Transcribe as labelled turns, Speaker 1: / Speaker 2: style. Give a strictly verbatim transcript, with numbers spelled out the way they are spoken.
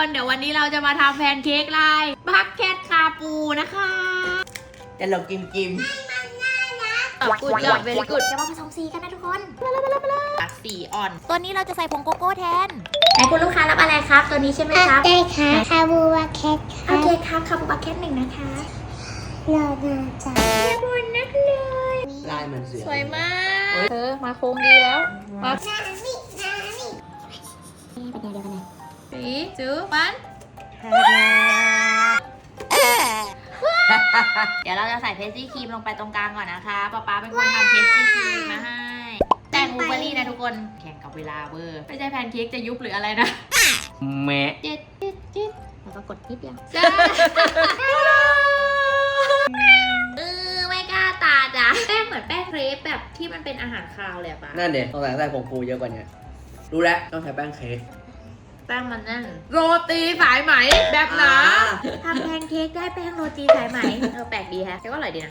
Speaker 1: เดี๋ยววันนี้เราจะมาทำแพนเค้กลายบักเก็ตคาปูนะคะ
Speaker 2: แต่เรากิมกิม
Speaker 1: กุดจอบเวลิกุด
Speaker 3: เดี๋ยวมาผสมสีกันนะทุกคน
Speaker 1: สีอ่อน
Speaker 3: ตัวนี้เราจะใส่ผงโกโก้แทน
Speaker 1: ไหนคุณลูกค้ารับอะไรครับ ตัวนี้ใช่ไหมครับ
Speaker 4: ได้ค่ะคาบูวาแคท
Speaker 1: โอเคครับคาปูบักเก็ตหนึ่งนะคะ
Speaker 4: รอมาจ้ะ
Speaker 1: บุญนักเลย
Speaker 2: ลายเหมือนเสือ
Speaker 1: สวยมากเธอมาโค้งดีแล้วมา
Speaker 4: นามินามิเป็นแนวเดียวกันเลย
Speaker 1: สีจื้อมันเดี๋ยวเราจะใส่เพสซี่ครีมลงไปตรงกลางก่อนนะคะป๊าป๊าเป็นคนทำเพสซี่ครีมมาให้แต่งบลูเบอร์รี่นะทุกคนแข่งกับเวลาเวอร์ไม่ใช่แพนเค้กจะยุบหรืออะไรนะ
Speaker 2: แม่
Speaker 1: เจ็ดเจ็ดเจ็ด
Speaker 3: แล้วก็กดนิดเดียว
Speaker 1: จ้าเออไม่กล้าตาจ้ะแป้งเหมือนแป้งเครปแบบที่มันเป็นอาหารคาวเลยอะป๊า
Speaker 2: นั่นเด็กต้องใส่ใส่ผงฟูเยอะกว่านี้รู้แล้วต้องใช้แป้งเค้ก
Speaker 1: แป้งมันนั่นโรตีสายไหมแบบหนา
Speaker 2: อ่า
Speaker 1: ทำแพนเค้กได้แป้งโรตีสายไหมเออแปลกดีแฮะแต่ก็อร่อยดีนะ